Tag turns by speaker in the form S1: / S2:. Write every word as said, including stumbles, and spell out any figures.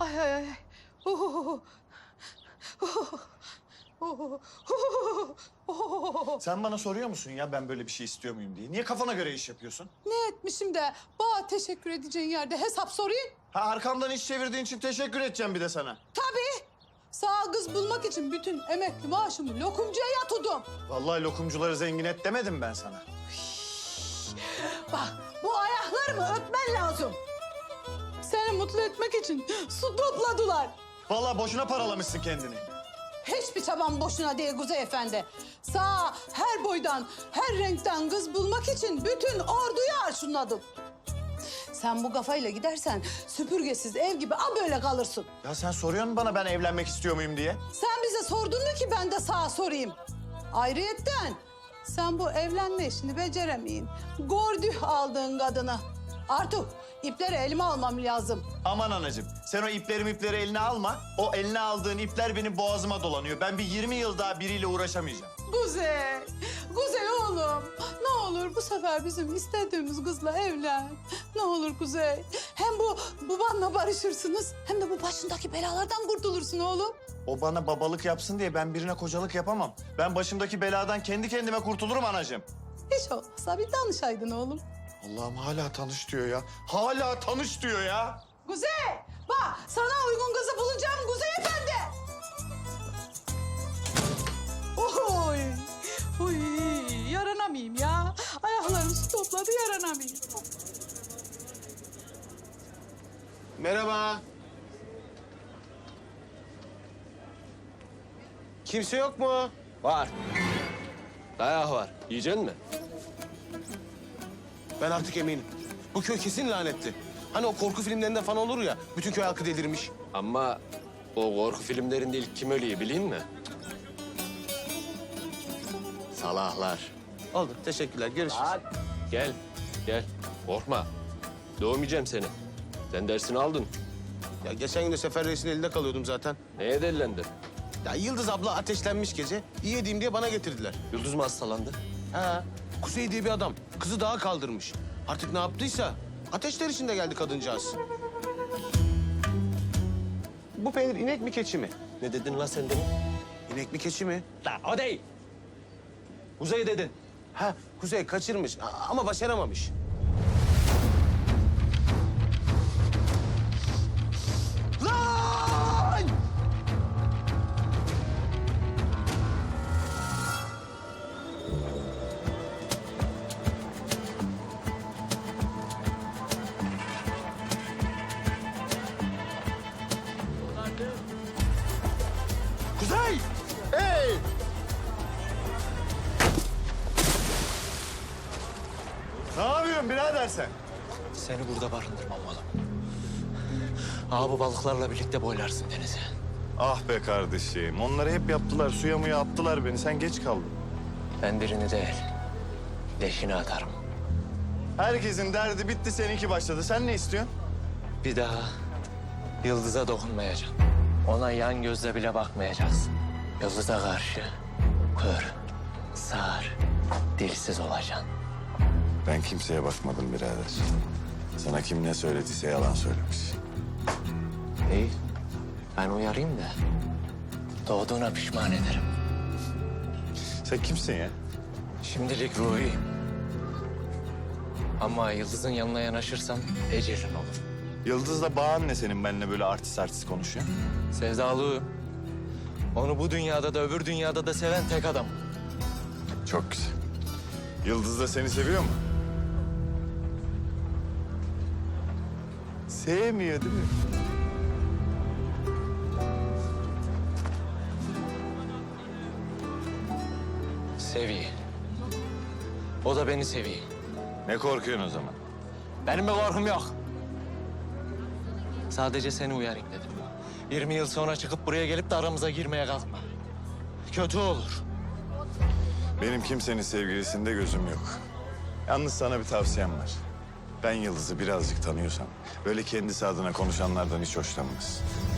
S1: Ay ay ay. Uhuhu. Uhuhu. Uhuhu. Uhuhu.
S2: Sen bana soruyor musun ya ben böyle bir şey istiyor muyum diye? Niye kafana göre iş yapıyorsun?
S1: Ne etmişim de bana teşekkür edeceğin yerde hesap sorayım?
S2: Ha arkamdan iş çevirdiğin için teşekkür edeceğim bir de sana.
S1: Tabii. Sağ kız bulmak için bütün emekli maaşımı lokumcuya yatırdım.
S2: Vallahi lokumcuları zengin et demedim ben sana.
S1: Bak bu ayaklarımı öpmen lazım. Seni mutlu etmek için su topladılar.
S2: Vallahi boşuna paralamışsın kendini.
S1: Hiçbir çabam boşuna değil Kuzey Efendi. Sağ her boydan, her renkten kız bulmak için bütün orduyu arşınladım. Sen bu kafayla gidersen süpürgesiz ev gibi a böyle kalırsın.
S2: Ya sen soruyorsun bana ben evlenmek istiyor muyum diye.
S1: Sen bize sordun mu ki ben de sağa sorayım? Ayrıyetten sen bu evlenme işini beceremeyin. Gordüh aldığın kadını. Artık ipleri elime almam lazım.
S2: Aman anacığım sen o ipleri ipleri eline alma. O eline aldığın ipler benim boğazıma dolanıyor. Ben bir yirmi yıl daha biriyle uğraşamayacağım.
S1: Kuzey, Kuzey oğlum. Ne olur bu sefer bizim istediğimiz kızla evlen. Ne olur Kuzey. Hem bu babanla barışırsınız hem de bu başındaki belalardan kurtulursun oğlum.
S2: O bana babalık yapsın diye ben birine kocalık yapamam. Ben başımdaki beladan kendi kendime kurtulurum anacığım.
S1: Hiç olmazsa bir danışaydın oğlum.
S2: Allah'ım hala tanış diyor ya. Hala tanış diyor ya.
S1: Kuzey, bak sana uygun kızı bulacağım Kuzey Efendi. Oy, oy, yaranamayayım ya. Ayaklarım su topladı, yaranamayayım.
S3: Merhaba. Kimse yok mu?
S4: Var. Dayak var. Yiyecek mi?
S3: Ben artık eminim. Bu köy kesin lanetli. Hani o korku filmlerinde falan olur ya, bütün köy halkı delirmiş.
S4: Ama o korku filmlerinde ilk kim ölüyor bileyim mi? Salahlar.
S3: Oldu, teşekkürler. Görüşürüz.
S4: Gel, gel. Korkma. Dövmeyeceğim seni. Sen dersini aldın.
S3: Ya geçen gün de Sefer Reis'in elinde kalıyordum zaten.
S4: Neye delilendin?
S3: Ya Yıldız abla ateşlenmiş gece. İyi edeyim diye bana getirdiler.
S4: Yıldız mı hastalandı?
S3: Ha, Kuzey diye bir adam. Kızı dağa kaldırmış. Artık ne yaptıysa ateşler içinde geldi kadıncağız. Bu peynir inek mi keçi mi?
S4: Ne dedin lan sen demin?
S3: İnek mi keçi mi?
S4: La o değil. Kuzey dedin.
S3: Ha, Kuzey kaçırmış a- ama başaramamış. Lan! Kuzey! Hey!
S2: Ne yapıyorsun birader sen?
S4: Seni burada barındırmam oğlum. Aa bu balıklarla birlikte boylarsın denize.
S2: Ah be kardeşim. Onları hep yaptılar. Suya muya attılar beni. Sen geç kaldın.
S4: Ben birini değil, leşini atarım.
S2: Herkesin derdi bitti. Seninki başladı. Sen ne istiyorsun?
S4: Bir daha Yıldız'a dokunmayacağım. Ona yan gözle bile bakmayacaksın. Yıldız'a karşı kör, sağır, dilsiz olacaksın.
S2: Ben kimseye bakmadım birader. Sana kim ne söylediyse yalan söylemiş.
S4: İyi, ben uyarayım da doğduğuna pişman ederim.
S2: Sen kimsin ya?
S4: Şimdilik ruhiyim. Ama Yıldız'ın yanına yanaşırsam ecelin olur.
S2: Yıldız'la bağın ne senin benimle böyle artist artist konuşuyor?
S4: Sevdalıyım. Onu bu dünyada da öbür dünyada da seven tek adam.
S2: Çok güzel. Yıldız da seni seviyor mu? Sevmiyor değil mi?
S4: Seviyor. O da beni seviyor.
S2: Ne korkuyorsun o zaman?
S4: Benim bir korkum yok. Sadece seni uyarayım dedim. yirmi yıl sonra çıkıp buraya gelip de aramıza girmeye kalkma. Kötü olur.
S2: Benim kimsenin sevgilisinde gözüm yok. Yalnız sana bir tavsiyem var. Ben Yıldız'ı birazcık tanıyorsam böyle kendisi adına konuşanlardan hiç hoşlanmaz.